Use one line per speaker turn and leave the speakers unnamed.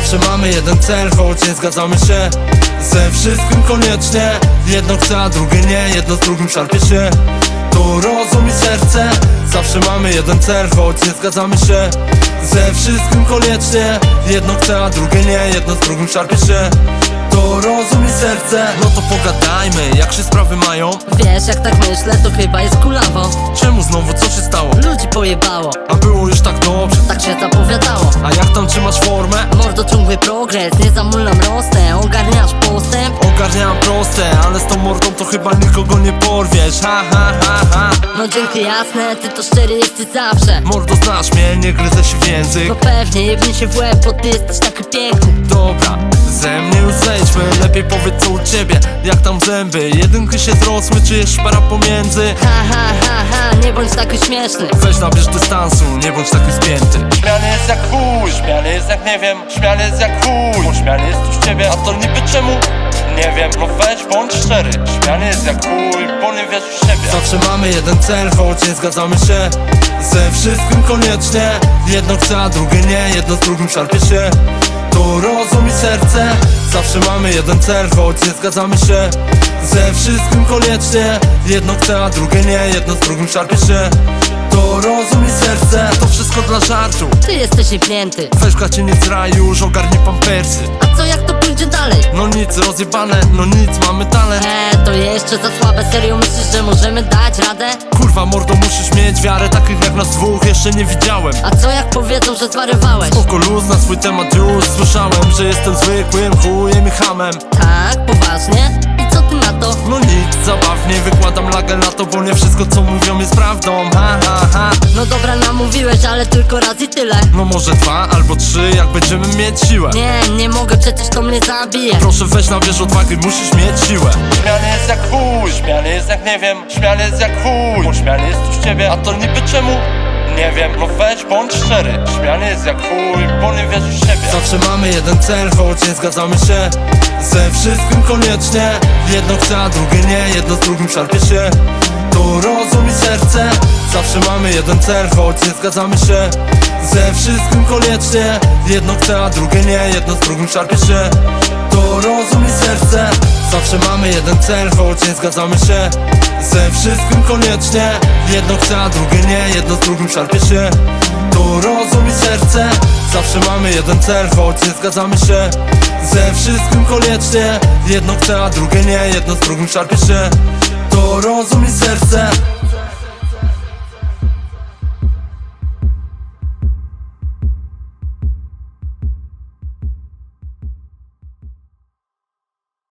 Zawsze mamy jeden cel, choć nie zgadzamy się ze wszystkim koniecznie. Jedno chce, a drugie nie, jedno z drugim szarpie się. To rozum i serce. Zawsze mamy jeden cel, choć nie zgadzamy się ze wszystkim koniecznie. Jedno chce, a drugie nie, jedno z drugim szarpie się. To rozum i serce. No to pogadajmy, jak się sprawy mają?
Wiesz, jak tak myślę, to chyba jest kulawo.
Czemu znowu, co się stało?
Ludzi pojebało,
A było już tak dobrze.
tak się zapowiadało.
A jak tam trzymasz formę?
Mordo, ciągły progres, nie zamulam rosnę. Ogarniasz postęp?
Ogarniam proste, ale z tą mordą to chyba nikogo nie porwiesz. Ha, ha, ha, ha.
No dzięki, jasne, ty to szczery jesteś zawsze.
Mordo, znasz mnie, nie gryzę się w język.
No pewnie, jebnij się w łeb, bo ty jesteś taki piękny.
Dobra, ze mnie już zejdźmy. Lepiej powiedz, co u ciebie, jak tam zęby. Jedynki się zrosły, czy jest szpara pomiędzy?
Ha, ha, ha, ha, nie bądź taki śmieszny.
Weź nabierz dystansu, nie bądź taki spięty. Śmiany jest jak chuj, śmiany jest jak nie wiem. Śmiany jest jak chuj, śmiany jest tu z ciebie. A to niby czemu? Nie wiem, no weź bądź szczery. Śmiany jest jak chuj, bo nie wiesz w siebie. Zawsze mamy jeden cel, choć nie zgadzamy się ze wszystkim koniecznie. Jedno chce, a drugie nie, jedno z drugim szarpie się. To rozum i serce. Zawsze mamy jeden cel, choć nie zgadzamy się ze wszystkim koniecznie. Jedno chce, a drugie nie, jedno z drugim szarpie się. To rozum i serce. To wszystko dla żartu.
Ty jesteś jebnięty.
Weź gacie, nie zraj już, ogarnij pampersy.
A co jak to pójdzie dalej?
No nic, rozjebane, no nic, mamy talent.
To jeszcze za słabe, serio myślisz, że możemy dać radę?
Kurwa mordo, musisz mieć wiarę, takich jak nas dwóch jeszcze nie widziałem.
A co jak powiedzą, że zwariowałeś?
Spoko luz, na swój temat już słyszałem, że jestem zwykłym chujem i hamem.
Tak, poważnie? I co ty na to?
No nic, zabawnie wykładam lagę na to, bo nie wszystko co mówią jest prawdą. Ha, ha, ha.
No dobra, namówiłeś, ale tylko raz i tyle.
No może 2 albo 3, jak będziemy mieć siłę.
Nie mogę, przecież to mnie zabije.
Proszę weź na wierzch odwagi, musisz mieć siłę. Śmiany jest jak chuj, śmiany jest jak nie wiem. Śmiany jest jak chuj, bo śmiany jest tu z ciebie. A to niby czemu? Nie wiem, no weź bądź szczery. Śmiany jest jak chuj, bo nie wiesz w siebie. Zawsze mamy jeden cel, choć nie zgadzamy się ze wszystkim koniecznie. Jedno chce, a drugie nie, jedno z drugim szarpie się. To rozum i serce. Zawsze mamy jeden cel, choć nie zgadzamy się ze wszystkim koniecznie. Jedno chce, a drugie nie, jedno z drugim szarpie się. To rozum i serce. Zawsze mamy jeden cel, choć nie zgadzamy się ze wszystkim koniecznie. Jedno chce, a drugie nie, jedno z drugim szarpie się. To rozum i serce. Zawsze mamy jeden cel, choć nie zgadzamy się ze wszystkim koniecznie. Jedno chce, a drugie nie, jedno z drugim szarpie się. To